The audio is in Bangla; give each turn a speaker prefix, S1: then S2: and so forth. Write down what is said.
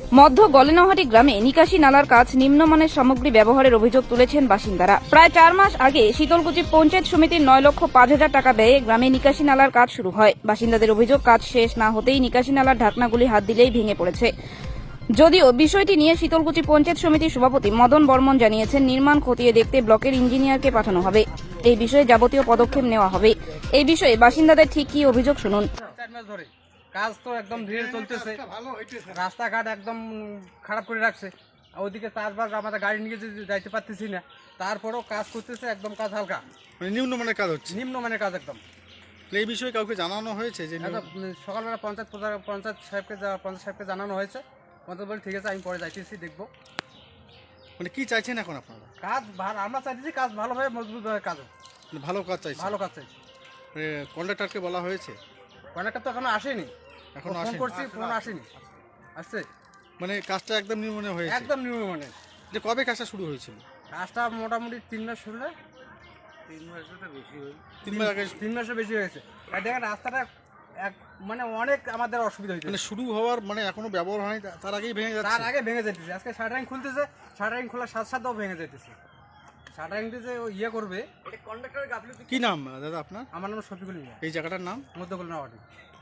S1: মধ্য গলেনহাটি গ্রামে নিকাশি নালার কাজ নিম্নমানের সামগ্রী ব্যবহারের অভিযোগ তুলেছেন বাসিন্দারা। প্রায় 4 মাস আগে শীতলকুচি পঞ্চায়েত সমিতির 9,05,000 টাকা ব্যয়ে গ্রামে নিকাশি নালার কাজ শুরু হয়। বাসিন্দাদের অভিযোগ, কাজ শেষ না হতেই নিকাশি নালার ঢাকনাগুলি হাত দিলেই ভেঙে পড়েছে। যদিও বিষয়টি নিয়ে শীতলকুচি পঞ্চায়েত সমিতির সভাপতি মদন বর্মন জানিয়েছেন, নির্মাণ খতিয়ে দেখতে ব্লকের ইঞ্জিনিয়ারকে পাঠানো হবে। এই বিষয়ে যাবতীয় পদক্ষেপ নেওয়া হবে। এই বিষয়ে বাসিন্দাদের ঠিক কি অভিযোগ শুনুন।
S2: কাজ তো একদম ধীরে চলতেছে, রাস্তাঘাট একদম খারাপ করে রাখছে। ওইদিকে চাষবাস আমাদের গাড়ি নিয়ে যাইতে পারতেছি না, তারপরেও কাজ করতেছে, একদম কাজ হালকা,
S3: মানে নিম্নমানের কাজ হচ্ছে।
S2: নিম্নমানের কাজ একদম।
S3: এই বিষয়ে কাউকে জানানো হয়েছে যে
S2: সকালবেলা পঞ্চায়েত সাহেবকে জানানো হয়েছে। পঞ্চায়েত বলে ঠিক আছে, আমি পরে যাইতেছি, দেখবো।
S3: মানে কি চাইছেন এখন আপনারা?
S2: কাজ আমরা চাইতেছি কাজ ভালোভাবে মজবুতভাবে কাজ হোক।
S3: মানে ভালো কাজ চাইছেন?
S2: ভালো কাজ চাইছি।
S3: কন্ট্রাক্টরকে বলা হয়েছে?
S2: কন্ট্রাক্টর তো এখনো আসেনি,
S3: এখনো
S2: ফোন
S3: আসেনি?
S2: করছি, ফোন আসেনি। আসছে
S3: মানে কাজটা একদম নিম্নমানের হয়েছে?
S2: একদম নিম্নমানের।
S3: যে কবে কাজটা শুরু হয়েছিল?
S2: কাজটা মোটামুটি 3 মাস শুরু হয়।
S3: 3
S2: মাসের বেশি হয়েছে। আর দেখেন রাস্তাটা মানে অনেক আমাদের অসুবিধা হয়েছে।
S3: মানে শুরু হওয়ার মানে এখনো ব্যবহার হয়নি, তার আগেই ভেঙে যাচ্ছে?
S2: তার আগে ভেঙে যেতেছে। আজকে শাটারিং খুলতেছে, শাটারিং খোলার সাথে সাথেও ভেঙে যেতেছে। শাটারিংটা যে ইয়ে করবে।
S3: কি নাম দাদা আপনার?
S2: আমার নাম শফিকুল মিয়া।
S3: এই জায়গাটার নাম?
S2: মধ্যকল্যাণ।